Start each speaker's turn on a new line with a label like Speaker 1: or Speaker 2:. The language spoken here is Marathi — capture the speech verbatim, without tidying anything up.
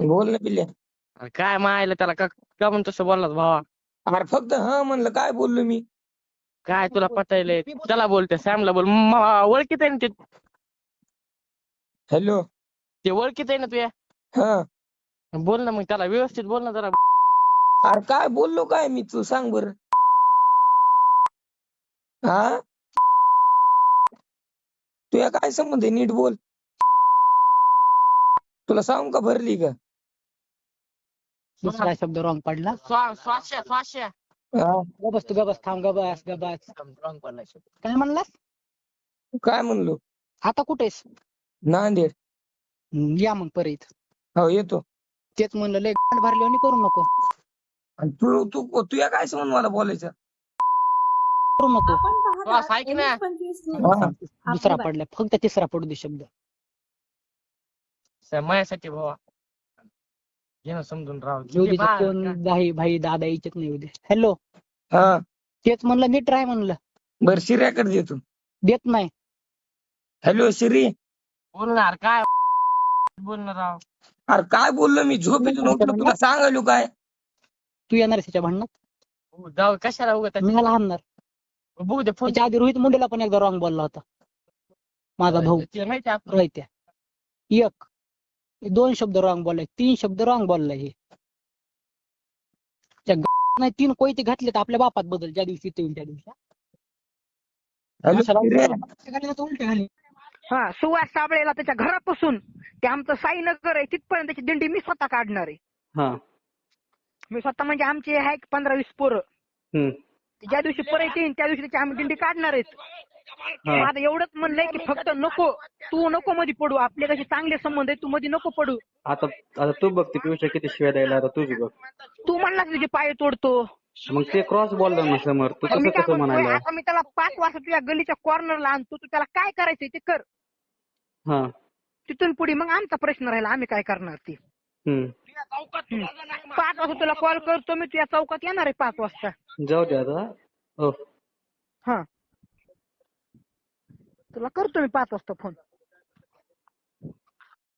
Speaker 1: बोल ना पिल्ल्या.
Speaker 2: अरे काय मायला त्याला का का म्हणून तसं बोललास भावा?
Speaker 1: अरे फक्त हा म्हणलं काय बोललो मी.
Speaker 2: काय तुला पटायलंय? त्याला बोलते सॅमला बोल. म- ओळखीत आहे ना ते
Speaker 1: हॅलो.
Speaker 2: ते ओळखीत आहे ना तुया.
Speaker 1: हा.
Speaker 2: बोल ना मग त्याला व्यवस्थित बोल ना जरा.
Speaker 1: अरे काय बोललो काय मी, तू सांग बर. हा तुया काय संबंध आहे, नीट बोल. तुला सांगू का भरली का?
Speaker 3: दुसरा शब्द रॉंग पडला.
Speaker 2: स्वा- स्वाश्या स्वाश्या
Speaker 1: हा.
Speaker 3: गबस तू गबस थांब गबस गबस.
Speaker 2: रॉंग पडलाय शब्द.
Speaker 3: काय म्हणलास?
Speaker 1: काय म्हणलो?
Speaker 3: आता कुठेस?
Speaker 1: नांदेड.
Speaker 3: हम्म, या मग परत.
Speaker 1: हो येतो.
Speaker 3: तेच म्हणलं लय गांड भरल्यावानी करू नको.
Speaker 1: आणि तू तू तुया काय संबंध मला बोलायचं?
Speaker 3: करू नको.
Speaker 2: श्वास ऐक ना.
Speaker 1: हा.
Speaker 3: दुसरा पडला, फक्त तिसरा पडू दे शब्द.
Speaker 2: स- माझ्यासाठी भावा घे ना समजून राव.
Speaker 3: येऊ
Speaker 2: किती
Speaker 3: दे
Speaker 2: बा-
Speaker 3: कोण भाई भाई दादा यायचेत नाही उद्या. हॅलो.
Speaker 1: हा
Speaker 3: तेच म्हणलं नीट राह म्हणलं.
Speaker 1: बर शिर्याकडे देतो.
Speaker 3: देत नाही.
Speaker 1: हॅलो शिरी.
Speaker 2: बोलणार काय बोलणार राव.
Speaker 1: अरे काय बोललो मी, झोपेतून उठलो तुला सांगायलो काय.
Speaker 3: तू येणार त्याच्या भांडणात?
Speaker 2: हो, जाऊ कशाला उगत
Speaker 3: मी मला हाणणार.
Speaker 2: बघू दे फोन.
Speaker 3: त्याच्या आधी रोहित मुंडेला पण एकदा रॉंग बोलला होता माझा भाऊ.
Speaker 2: ते माहिती आहे आपलं.
Speaker 3: रोहित्या. एक दोन शब्द रॉंग बोललाय, तीन शब्द रॉंग बोललाय. हे त्या ग- नाही तीन कोयते घातले तर आपल्या बापात बदल ज्या दिवशी ते होईल त्या दिवशी.
Speaker 1: हॅलो
Speaker 3: अशा
Speaker 1: शिर्या.
Speaker 3: घातले तर उलटे घाली.
Speaker 4: हा सुवास साबळेला त्याच्या घरापासून ते आमचं साईनगर आहे तिथपर्यंत त्याची दिंडी मी स्वतः काढणार आहे.
Speaker 5: हा.
Speaker 4: मी स्वतः म्हणजे आमचे आहे पंधरा वीस पोरं.
Speaker 5: हम्म.
Speaker 4: ते ज्या दिवशी परत येईन त्या दिवशी त्याची आम्ही दिंडी काढणार आहेत.
Speaker 5: हा.
Speaker 4: आता एवढंच म्हणलंय की फक्त नको तू नको मध्ये पडू, आपले कसे चांगले संबंध आहे, तू मध्ये नको पडू.
Speaker 5: आता आता तू बघ ती पियुष किती शिव्या द्यायला, आता तुझी बघ.
Speaker 4: तू म्हणलास तुझे पाय तोडतो.
Speaker 5: मग ते क्रॉस बोलला ना समोर, तू
Speaker 4: तर मी
Speaker 5: कसं
Speaker 4: काय
Speaker 5: कसं
Speaker 4: म्हणतोय,
Speaker 5: म्हणायला?
Speaker 4: आता मी त्याला पाच वाजता तुझ्या गलीच्या कॉर्नरला आणतो, तू त्याला काय करायचंय ते कर.
Speaker 5: हा.
Speaker 4: तिथून पुढे मग आमचा प्रश्न राहिला, आम्ही काय करणार ते.
Speaker 5: हम्म.
Speaker 4: हम्म. पाच वाजता तुला कॉल करतो मी, तुझ्या चौकात येणार आहे पाच वाजता.
Speaker 5: जाऊ दे आता. हो.
Speaker 4: हा तुला करतो मी पाच वाजता फोन.